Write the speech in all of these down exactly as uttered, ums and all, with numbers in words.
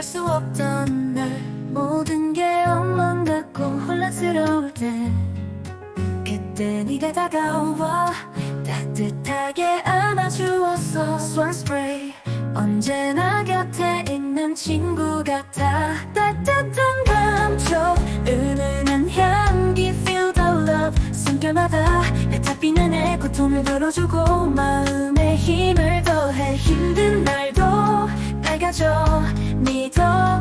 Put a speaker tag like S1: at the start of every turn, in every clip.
S1: 수 없던 날 모든 게 엉망 같고 혼란스러울 때 그때 네가 다가와 따뜻하게 안아주었어. Swan Spray 언제나 곁에 있는 친구 같아. 따뜻한 감촉 은은한 향기 Feel the love 숨결마다 뱉어비는 내 고통을 덜어주고 마음에 힘을 더해. 힘든 날도 밝아져 네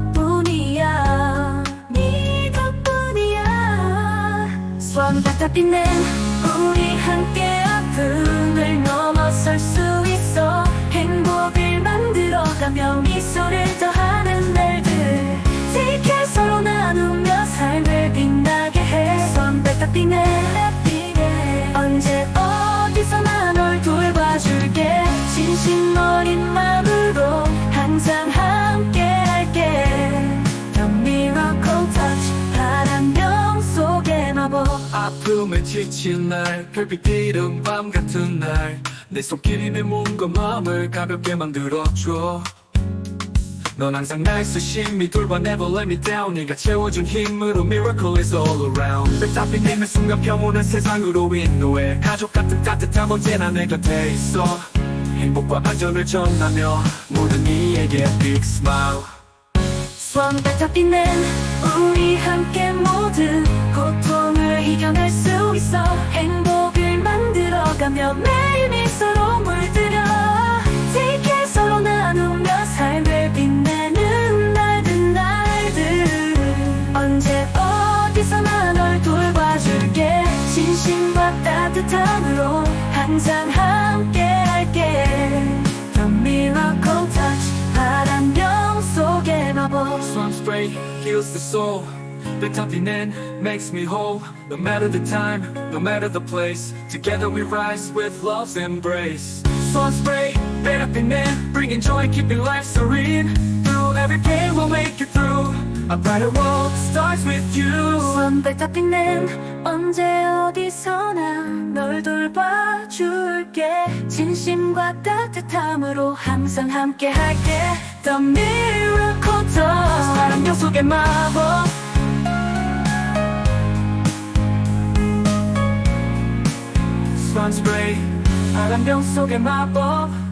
S1: 덕분이야. 네 덕분이야. Swan 같아 빛낸 우리 함께 아픔을 넘어설 수 있어. 행복을 만들어가며 미소를 더하는 날들 Take care 서로 나누며 삶을 빛나게 해. Swan 같아 빛내 언제 어디서나 널 돌봐줄게. 진심 어린 마음으로 항상 함께 할게. The miracle touch 바람병 속의 마법.
S2: 아픔에 지친 날 별빛 비는 밤 같은 날 내 손길이 내 몸과 마음을 가볍게 만들어줘. 넌 항상 날 수심이 돌봐 Never let me down. 네가 채워준 힘으로 Miracle is all around. 뱉어빈 힘의 순간 평온한 세상으로 인도해. 가족 같은 따뜻함 언제나 내 곁에 있어. 행복과 안전을 전하며 모든 이에게 Big Smile.
S1: Swan 같아 빛낸 우리 함께 모든 고통을 이겨낼 수 있어. 행복을 만들어가며 매일 미소로 물들여. Take care 서로 나누며 삶을 빛내는 날들 날들 언제 어디서나 널 돌봐줄게. 진심과 따뜻함으로 항상 함께 할게. The miracle touch 바람병 속의 마법.
S2: Swan Spray heals the soul. 뱉어비는 makes me whole. No matter the time, no matter the place, together we rise with love's embrace. Swan Spray, 뱉어비는 bringing joy, keeping life serene. Through every pain we'll make it through. A brighter world starts with you.
S1: Swan 같아 빛낸 언제 어디서나 널 돌봐줄게. 진심과 따뜻함으로 항상 함께 할게. The miracle touch 바람병 속의 마법.
S2: Swan Spray 바람병 속의 마법.